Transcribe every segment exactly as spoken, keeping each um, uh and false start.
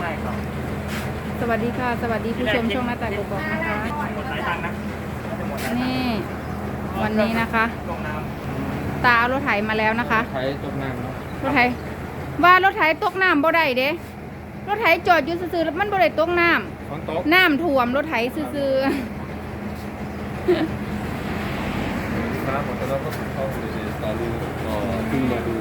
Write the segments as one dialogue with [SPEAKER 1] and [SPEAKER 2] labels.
[SPEAKER 1] ช่ครับ
[SPEAKER 2] สวัสดีค่ะสวัสดีผู้ชมช่องหน้าต่างกบๆนะคะ
[SPEAKER 1] หมดหลายตังค์นะจะหมดหลายตังค์
[SPEAKER 2] นี่วันนี้นะคะ
[SPEAKER 1] ลงน้
[SPEAKER 2] ตาเอารถไถมาแล้วนะคะ
[SPEAKER 3] ใช้ตกน้ำเนาะ
[SPEAKER 2] รถไถว่ารถไถตกน้ำบ่ได้เด้รถไถจอดอยู่ซื่อๆแล้วมันบ่ได้ตกน้
[SPEAKER 3] ฝนตก
[SPEAKER 2] ำน้ำท่วมรถไถซื่อ
[SPEAKER 3] ครับผมจะเล่าก็เข้าสู่ตอนนี้ก็ขึ้นมาดู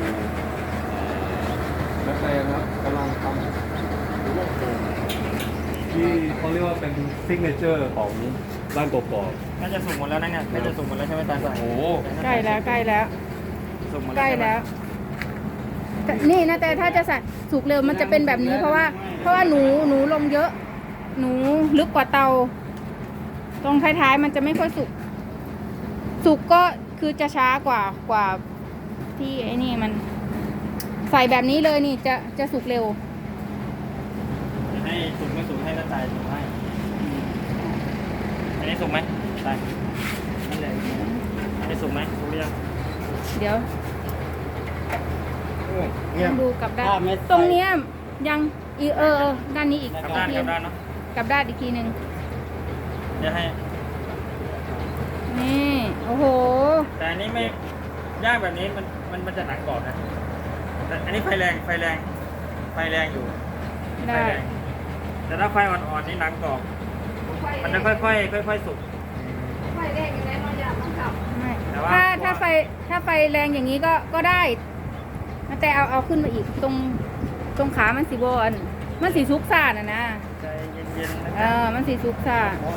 [SPEAKER 3] นักแสดงครับกำลังทำรูปโป่งที่เขาเรียกว่าเป็นซิกเนเจอร์ของบ้านกบก
[SPEAKER 1] ำน่าจะสุกหมดแล้วนะเนี่ยน่าจะสุกหมดแล้วใช่ไหมตา
[SPEAKER 3] โอ้โห
[SPEAKER 2] ๆใกล้แล้วใกล้แล้ว
[SPEAKER 1] สุกหมด
[SPEAKER 2] ใกล้แล้วแต่นี่นะแต่ถ้าจะใส่สุกเร็วมันจะเป็นแบบนี้ เพราะว่า เพราะว่าหนูหนูลงเยอะ หนูลึกกว่าเตา ตรงท้ายๆมันจะไม่ค่อยสุก สุกก็คือจะช้ากว่ากว่าที่ไอ้นี่มัน ใส่แบบนี้เลยนี่จะจะสุกเร็ว
[SPEAKER 1] ให้สุกไม่สุกให้น้าตายสุกให้อันนี้สุกไหมตายนั่นแหละอันนี้สุกไหมสุกหรือยัง
[SPEAKER 2] เดี๋ยว
[SPEAKER 3] เงียบ
[SPEAKER 2] ดูกลับด้านตรงเนี้ยยังอีเออเออด้านนี้อีก
[SPEAKER 1] กลับด้าน
[SPEAKER 2] ที
[SPEAKER 1] กลับด้านเนาะ
[SPEAKER 2] กลับด้านอีกทีหนึ่ง
[SPEAKER 1] เดี๋ยวให้
[SPEAKER 2] นี่โอ้โห
[SPEAKER 1] แต่อันนี้ไม่ย่างแบบนี้มันมันมันจะหนักกรอบนะแต่อันนี้ไฟแรงไฟแรงไฟแรงอยู่ไฟ
[SPEAKER 2] ได้
[SPEAKER 1] แรงแต่ถ้าไฟอ่อนๆนี่หนังกรอบมันจะค่อยๆค่อยๆสุก
[SPEAKER 2] ไม่
[SPEAKER 1] แต่ว่า
[SPEAKER 2] ถ้าถ้าไฟถ้าไฟแรงอย่างนี้ก็ก็ได้แต่เอาเอาขึ้นมาอีกตรงตรงขามันสีบอลมันสีซุกซ่าน่ะนะ
[SPEAKER 1] ใจเย็นๆนะ
[SPEAKER 2] เออมันสีซุกซ่า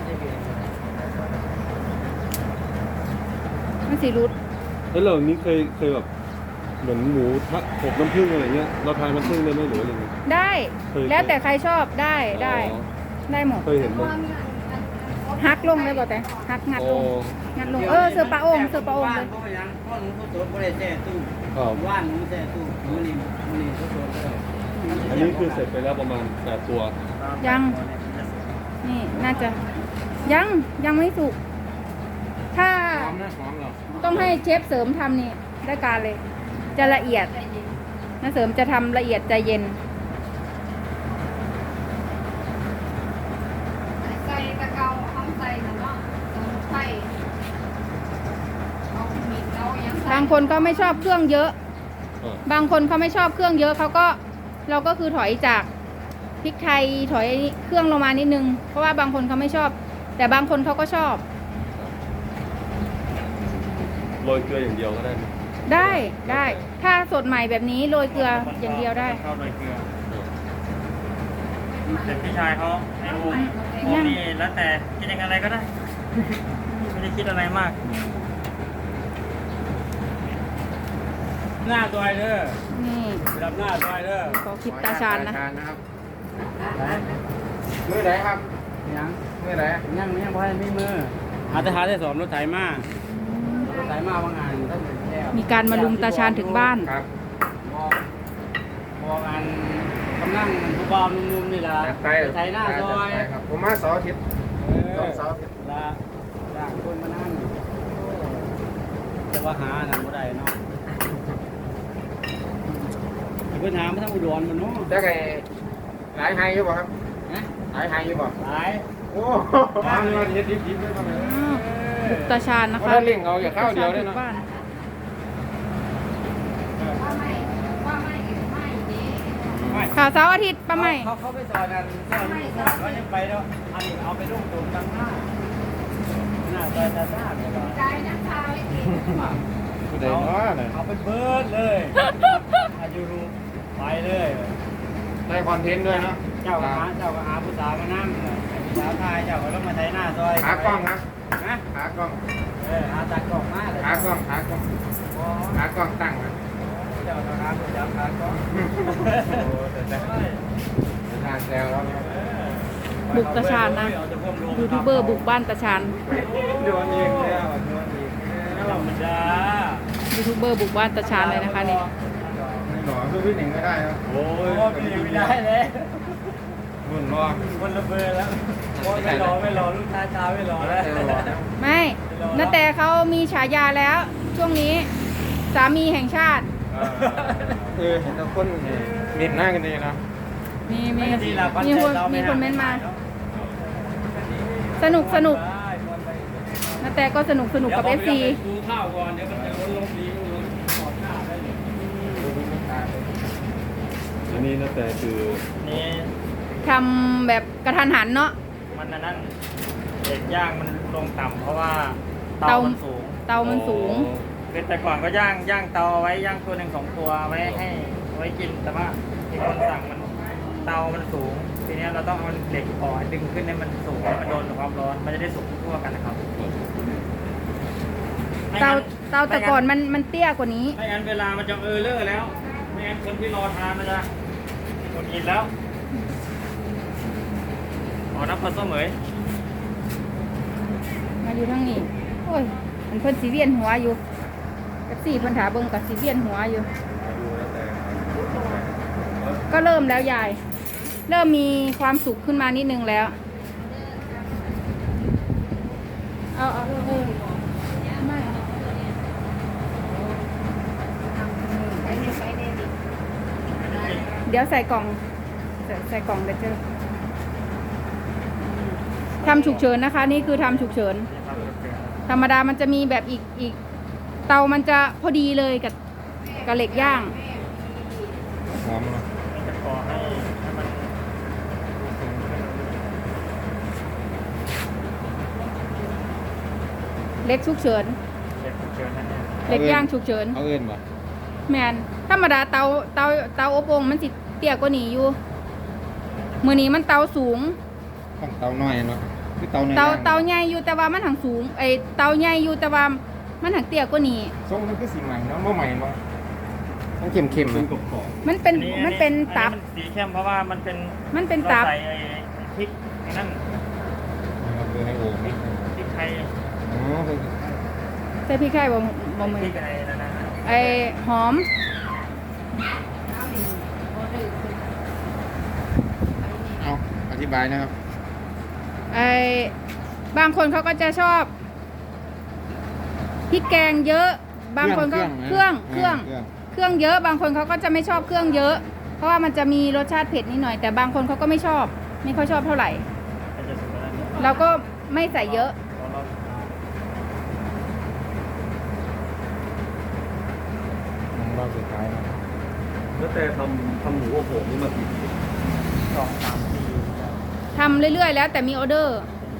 [SPEAKER 2] มันสีรุด
[SPEAKER 3] แล้วเรานี้เคยเคยแบบเหมือนหมูทะอบน้ำผึ้งอะไรเงี้ยเราทานน้ำผึ้งได้ไหมหรืออะไรเงี้ย
[SPEAKER 2] ได้
[SPEAKER 3] เคย
[SPEAKER 2] แล้วแต่ใครชอบได้ได้
[SPEAKER 3] อ๋อ
[SPEAKER 2] ได้หมด
[SPEAKER 3] เคยเห็นไหม
[SPEAKER 2] ฮักลงได้บ่แต่ฮักงัดลง
[SPEAKER 3] อ๋อ
[SPEAKER 2] งัดลงเออเสือปลาโองเสือปลาโองเลย
[SPEAKER 4] เพราะยังเพราะหนูเขาสดไม่ได้แช่ตู้
[SPEAKER 3] ครับ
[SPEAKER 4] ว่านหนูแช่ตู้มือนี่มือนี่เขาสดเลย
[SPEAKER 3] อันนี้คือเสร็จไปแล้วประมาณแปดตัว
[SPEAKER 2] ยัง นี่น่าจะยังยังไม่สุกถ้า
[SPEAKER 3] หอมนะหอมเหรอ
[SPEAKER 2] ต้องให้เชฟเสริมทำนี่ได้การเลย จะละเอียดนะเสริมจะทำละเอียดใจเย็น
[SPEAKER 5] ใส่ตะเกาห้องใส่หนูว่าสมุนไพรเอามีดเอายังใส่
[SPEAKER 2] บางคนก็ไม่ชอบเครื่องเยอะ
[SPEAKER 3] อ่า
[SPEAKER 2] บางคนเขาไม่ชอบเครื่องเยอะเขาก็เราก็คือถอยจากพริกไทยถอยเครื่องลงมานิดนึง เพราะว่าบางคนเขาไม่ชอบ แต่บางคนเขาก็ชอบ
[SPEAKER 3] โรยเกลืออย่างเดียวก็ได้ไหม
[SPEAKER 2] ได้ได้ ถ้าสดใหม่แบบนี้โรยเกลืออย่างเดียวได้
[SPEAKER 1] เข้าโรยเกลือแต่พี่ชายเขาไอ้โอมโอมนี่แล้วแต่คิดยังอะไรก็ได้ ไม่ได้คิดอะไรมาก
[SPEAKER 4] หน้าซอยเด้อ
[SPEAKER 2] นี่
[SPEAKER 4] ดับหน้าซอยเด้อ
[SPEAKER 2] ขอคลิปตาชานนะ
[SPEAKER 4] มือไหนครับยังมือไหนยังยังพอให้มีมืออาตหาได้สอนรถไถมารถไถมาว่างานท่านแก้ว
[SPEAKER 2] มีการมาลุมตาชานถึงบ้าน
[SPEAKER 4] ครับบอกบอกงานกำลังผู้บ่าวหนุ่มๆนี่ล่ะไถหน้าซอย
[SPEAKER 6] ครับผมมาเสาร์อาทิตย์
[SPEAKER 4] เออ
[SPEAKER 6] ต้องเสาร์อาทิตย์
[SPEAKER 4] ละจ้างคนมานั่งแต่ว่าหาน่ะบ่ได้เนาะเพิ่นหามาทางอุดรมันเนาะ
[SPEAKER 6] จะไงหลายไฮอยู่บ่ครับ
[SPEAKER 4] ฮะ
[SPEAKER 6] หลายไฮอยู่บ่
[SPEAKER 4] หลาย
[SPEAKER 6] โอ้ทำเงินเฮ็ดดิบๆด้วยทำไม
[SPEAKER 2] อืมบุกตาชานนะคะ
[SPEAKER 6] ถ้าเลี้ยงเอาอย่าข้าวเดียวได้
[SPEAKER 2] บุ
[SPEAKER 6] เนาะ
[SPEAKER 2] กบ้าน
[SPEAKER 5] ว่าไม่ว่าไม่ไม่ดี
[SPEAKER 2] ข่าวเสาร์อาทิตย์ป้าใหม่
[SPEAKER 4] เขาเขาไปสอนกันสอนเขายังไปแล้วอันนี้เอาไปลงตรงตั้งหน้าหน้าซอยตาซ่าเนี่ยเหรอ
[SPEAKER 5] ใจนักข่าวไอ้กิน
[SPEAKER 6] ผู้ใดเนาะน่ะ
[SPEAKER 4] เอาไปเบิร์ดเลยอายุรูไปเลย
[SPEAKER 6] ได้คอนเทนต์ด้วยเนาะ
[SPEAKER 4] เจ้าก็หาเจ้าก็หาผู้สาวมานั่งสาวไทยเจ้าก็ต้องมาไถหน้าซอย
[SPEAKER 6] หากล้องครับ
[SPEAKER 4] นะ
[SPEAKER 6] หากล้อง
[SPEAKER 4] เออหาตากล้องมาเลย
[SPEAKER 6] หากล้องหากล้องหากล้องตั้งนะ
[SPEAKER 4] เจ้าก็หาผู้สาวหากล้อง
[SPEAKER 6] โอ้แต่แต่ทานแซวแล้วเนี่ย
[SPEAKER 2] บุกตาชานนะยูทูบเบอร์บุกบ้านตาชาน
[SPEAKER 6] โดนอีกแล้วโดนอีก
[SPEAKER 4] ธรรมดา
[SPEAKER 2] ยูทูบเบอร์บุกบ้านตาชานเลยนะคะนี่
[SPEAKER 6] ไม่หล่อคือพี่หนิงก็ได้นะ
[SPEAKER 4] โอ้ยไม่ได้เลย
[SPEAKER 6] รุ่นรอ
[SPEAKER 4] คนละเบอร์แล้วไม่รอไม่รอลูกชายตาไม่รอแล้ว
[SPEAKER 6] แต่หล่อนะ
[SPEAKER 2] ไม่นาแต่เขามีฉายาแล้ว ช่วงนี้สามีแห่งชาติ
[SPEAKER 6] เออเห็นแต่คนเด่นหน้ากันดีนะ
[SPEAKER 2] มีมี
[SPEAKER 1] ไม่ดีละปัจ
[SPEAKER 2] มี
[SPEAKER 1] จัย
[SPEAKER 2] คน
[SPEAKER 1] เรา
[SPEAKER 2] มี
[SPEAKER 1] ไ
[SPEAKER 2] คนเม้นต์มา
[SPEAKER 1] เนาะ
[SPEAKER 2] สนุกสนุกนาแต่ก็สนุกสนุกกับเอฟซี
[SPEAKER 3] ดูข้าวก่อนเดี๋ยวมันจะล้นลงนี้ล้นขอดหน้าได้เลยอันนี้นะแต่คือ
[SPEAKER 1] นี่
[SPEAKER 2] ทำแบบกระทันหันเนาะ
[SPEAKER 1] มันอันนั้นเด็กย่างมันลงต่ำเพราะว่า
[SPEAKER 2] เตา
[SPEAKER 1] เตามันสูง
[SPEAKER 2] เตามันสูง
[SPEAKER 1] คือแต่ก่อนก็ย่างย่างเตาเอาไว้ย่างตัวหนึ่งสองตัวไว้ให้ไว้กินแต่ว่าที่คนสั่งมันเตามันสูง ทีเนี้ยเราต้องเอาเหล็กอ่อนดึงขึ้นให้มันสูงให้มันโดนความร้อน มันจะได้สุกทั่วกันนะครับไม่
[SPEAKER 2] เตา
[SPEAKER 1] งั้น
[SPEAKER 2] เตาแต่ก่อนมันมันเตี้ยกว่านี้
[SPEAKER 1] ไม่งั้นเวลามันจะเออเลอร์แล้ว ไม่งั้นคนที่รอทานมันจะหมดกินแล้วอ๋อน้ำปลาส้มเหมย
[SPEAKER 2] มาอยู่ทั้งนี้โอ้ยมันเพิ่นสีเวียนหัวอยู่เอฟซีเพิ่นถาเบิ่งกับสีเวียนหัวอยู่
[SPEAKER 3] ดูแล้วแต่
[SPEAKER 2] ก็เริ่มแล้วยาย เริ่มมีความสุขขึ้นมานิดนึงแล้ว เอาเอาเออไม่
[SPEAKER 5] ไปนี่ไปนี่ดิ
[SPEAKER 2] เดี๋ยวใส่กล่องใส่ใส่กล่องเดี๋ยวเจอทำฉุกเฉินนะคะ นี่คือทำฉุกเฉิน ธรรมดามันจะมีแบบอีกอีก เตามันจะพอดีเลยกับกับเหล็กย่าง
[SPEAKER 6] หอมเนาะ
[SPEAKER 1] มันจะก่อให้ให้มัน
[SPEAKER 2] เล็กฉุกเฉิน
[SPEAKER 1] เด็กเกินนั่นเอง
[SPEAKER 2] เหล็กย่างฉุกเฉิน
[SPEAKER 6] เอาเอิ้นบ่
[SPEAKER 2] แมนธรรมดาเตาเตาเตาอบโอ่งมันสิเตี้ยกว่านี้อยู่มือนี้มันเตาสูง
[SPEAKER 6] ต้องเตาน้อยเนาะคือเตาน้อย
[SPEAKER 2] เตาเตาใหญ่อยู่แต่ว่ามันหังสูงไอเตาใหญ่อยู่แต่ว่ามันหังเตี้ยกว่านี้
[SPEAKER 6] ทรงมันคือสีใหม่เนาะบ่ใหม่เนาะต้องเข้มๆ
[SPEAKER 3] เป็
[SPEAKER 6] นะ
[SPEAKER 3] นกรอบขอบ
[SPEAKER 2] มันเป็น
[SPEAKER 1] อั
[SPEAKER 2] มันเป็นตับ
[SPEAKER 1] อัมัสีเข้มเพราะว่ามันเป็น
[SPEAKER 2] มันเป็นตับ
[SPEAKER 1] ราใส่ไอ้พริกไอ้นั่น
[SPEAKER 6] เราคือให้โอ่ง
[SPEAKER 1] พริกพริกไทย
[SPEAKER 6] อ๋อคือ
[SPEAKER 2] ใส่พริกไทยบ่บ่มื
[SPEAKER 1] พ
[SPEAKER 2] อ
[SPEAKER 1] ริกอะไรนั่นนะ
[SPEAKER 2] ไอหอม
[SPEAKER 6] เอาอธิบายนะครับ
[SPEAKER 2] ไอ้บางคนเขาก็จะชอบพริกแกงเยอะ บางคนก็เครื่องเครื่องเครื่องเยอะ บางคนเขาก็จะไม่ชอบเครื่องเยอะ เพราะว่ามันจะมีรสชาติเผ็ดนิดหน่อย แต่บางคนเขาก็ไม่ชอบ ไม่ค่อยชอบเท่าไหร่
[SPEAKER 1] มันจะสุกแล้ว
[SPEAKER 2] เราก็ไม่ใส่เยอะ
[SPEAKER 6] ของเราสุดท้ายนะ
[SPEAKER 3] แล้วแต่ทำทำหมูอบโอ่งนี่มากี่ปี
[SPEAKER 1] สองสามปี
[SPEAKER 2] ทำเรื่อยๆ แล้วแต่มีออเดอร์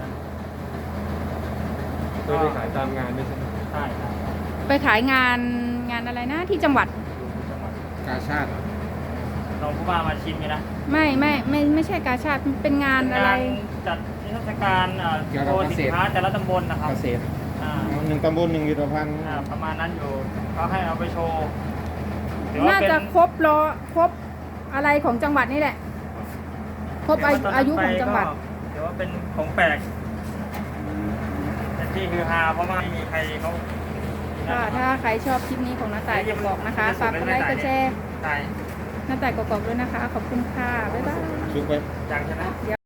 [SPEAKER 3] เคยไปขายตามงานไม่ใช่ไหม
[SPEAKER 1] ใช่ครับ
[SPEAKER 2] ไปขายงานงานอะไรนะที่จังหวัด
[SPEAKER 1] จังหวัด
[SPEAKER 6] กาชาติ
[SPEAKER 1] ลองผู้ว่ามาชิมกันนะ
[SPEAKER 2] ไม่ไม่ไม่ไม่ใช่กาชาติมันเป็นงานอะไร
[SPEAKER 1] จัดนิทรรศการเอ่อโชว์สินค้าแต่ละตำบลนะครับ
[SPEAKER 6] เกษตร
[SPEAKER 1] อ่า
[SPEAKER 6] หนึ่งตำบลหนึ่งวิทยาพันธ์
[SPEAKER 1] อ่าประมาณนั้นอยู่เขาให้เอาไปโชว์ถือว่
[SPEAKER 2] น่า
[SPEAKER 1] เป็
[SPEAKER 2] จะครบรอครบอะไรของจังหวัดนี่แหละ ครบอายุอายุของจังหวัด
[SPEAKER 1] ถือว่าเป็นของแปลกเป็นที่ฮือฮาเพราะว่าไม่มีใครเขา
[SPEAKER 2] ค่ะถ้าใครชอบคลิปนี้ของน้าต่ายกบอกนะคะ ฝากกดไลค์กดแชร์
[SPEAKER 1] ตาย
[SPEAKER 2] น้าต่ายกบอกด้วยนะคะ ขอบคุณค่ะ บ๊ายบาย
[SPEAKER 6] ชุกไป
[SPEAKER 1] จังใช่ไหม